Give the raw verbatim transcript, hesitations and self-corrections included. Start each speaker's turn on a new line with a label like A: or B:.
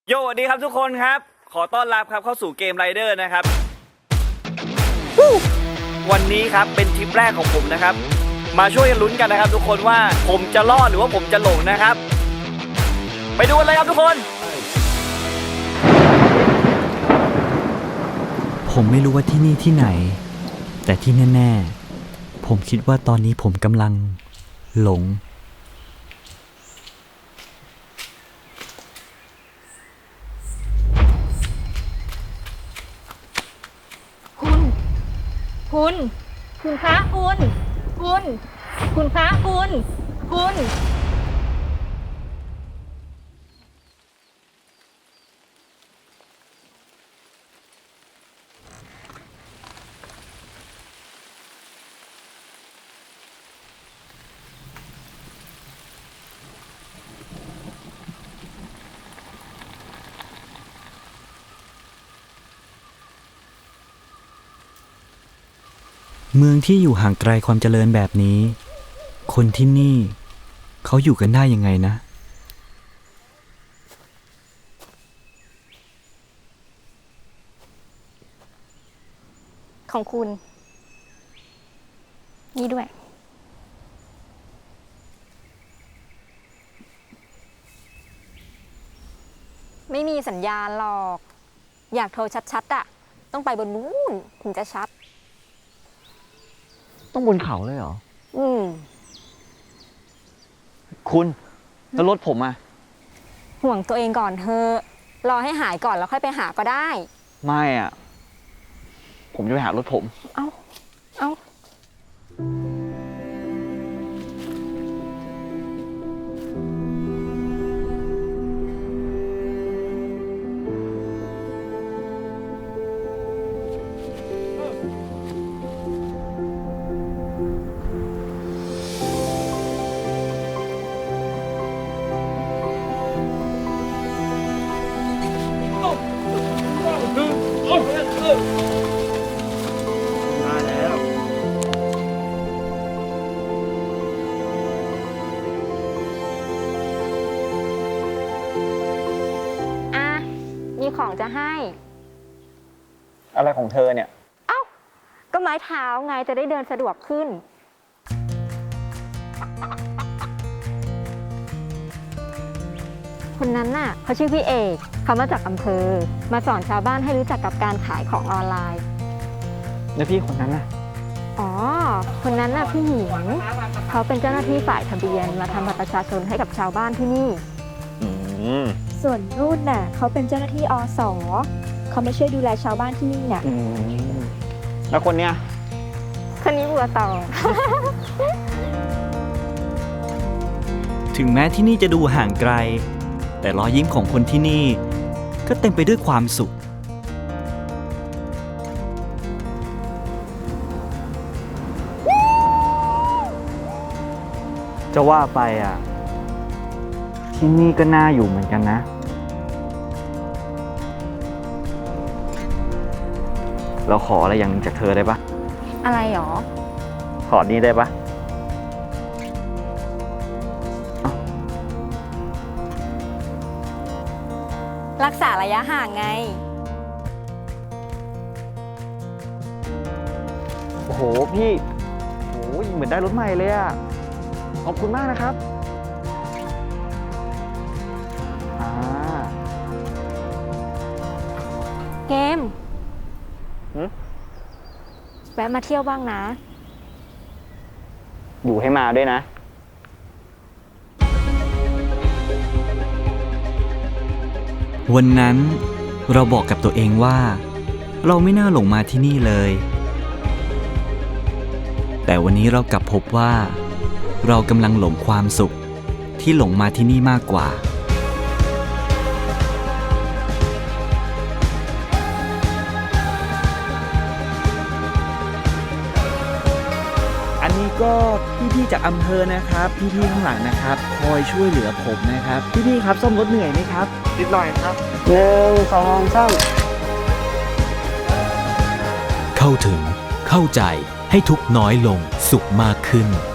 A: โยสวัสดีครับทุกคนครับขอต้อนรับครับเข้าสู่เกมไรเดอร์นะครับวันนี้ครับเป็นทริปแรกของผมนะครับมาช่วยกันลุ้นกันนะครับทุกคนว่าผมจะรอดหรือว่าผมจะหลงนะครับไปดูกันเลยครับทุกคน
B: ผมไม่รู้ว่าที่นี่ที่ไหนแต่ที่แน่ๆผมคิดว่าตอนนี้ผมกำลังหลง
C: คุณคุณคุณคะคุณคุณคุณคะคุณคุณ
B: เมืองที่อยู่ห่างไกลความเจริญแบบนี้คนที่นี่เขาอยู่กันได้ยังไงนะ
C: ของคุณนี่ด้วยไม่มีสัญญาณหรอกอยากโทรชัดๆอ่ะต้องไปบนนู้นถึงจะชัด
D: ต้องบนเขาเลยเหรอ
C: อืม
D: คุณแล้วรถผมอะ
C: ห่วงตัวเองก่อนเธอะรอให้หายก่อนแล้วค่อยไปหาก็ได้
D: ไม่อะผมจะไปหารถผม
C: เอ้า เอ้า
A: มาแล้ว
C: อ่ะ มีของจะให้
D: อะไรของเธอเนี่ย
C: เอ้า ก็ไม้เท้าไงจะได้เดินสะดวกขึ้น คนนั้นน่ะเขาชื่อพี่เอกเขามาจากอำเภอ มาสอนชาวบ้านให้รู้จักกับการขายของออนไลน์
D: แล้วพี่คนนั้นน่ะ
C: อ๋อ คนนั้นน่ะพี่หญิงเขาเป็นเจ้าหน้าที่ฝ่ายทะเบียนมาทำบัตรประชาชนให้กับชาวบ้านที่นี่
D: อืม
E: ส่วนรุ่นน่ะเขาเป็นเจ้าหน้าที่อสเขาไม่ช่วยดูแลชาวบ้านที่นี่น่ะ
D: อืม แล้วคนเนี้ย
C: คนนี้บัวตอง
B: ถึงแม้ที่นี่จะดูห่างไกลแต่รอยยิ้มของคนที่นี่ก็เต็มไปด้วยความสุข
D: จะว่าไปอ่ะ ที่นี่ก็น่าอยู่เหมือนกันนะ เราขออะไรอย่างหนึงจากเธอได้ปะ
C: อะไรหรอ
D: ขอนี้ได้ปะ
C: รักษาระยะห่างไง
D: โอ้โห พี่โอ้ยเหมือนได้รถใหม่เลยอ่ะ ขอบคุณมากนะครับ อ่า
C: เกม
D: หือ
C: แวะมาเที่ยวบ้างนะ
D: อยู่ให้มาด้วยนะ
B: วันนั้นเราบอกกับตัวเองว่าเราไม่น่าหลงมาที่นี่เลยแต่วันนี้เรากลับพบว่าเรากำลังหลงความสุขที่หลงมาที่นี่มากกว่าอันนี้ก็พี่ๆจากอำเภอนะครับพี่ๆข้างหลังนะครับคอยช่วยเหลือผมนะครับพี่ๆครับซ่อมรถเหนื่อยไหมครับ
D: นิดหน่อยครับหนึ่งสองสาม
F: เข้าถึงเข้าใจให้ทุกข์น้อยลงสุขมากขึ้น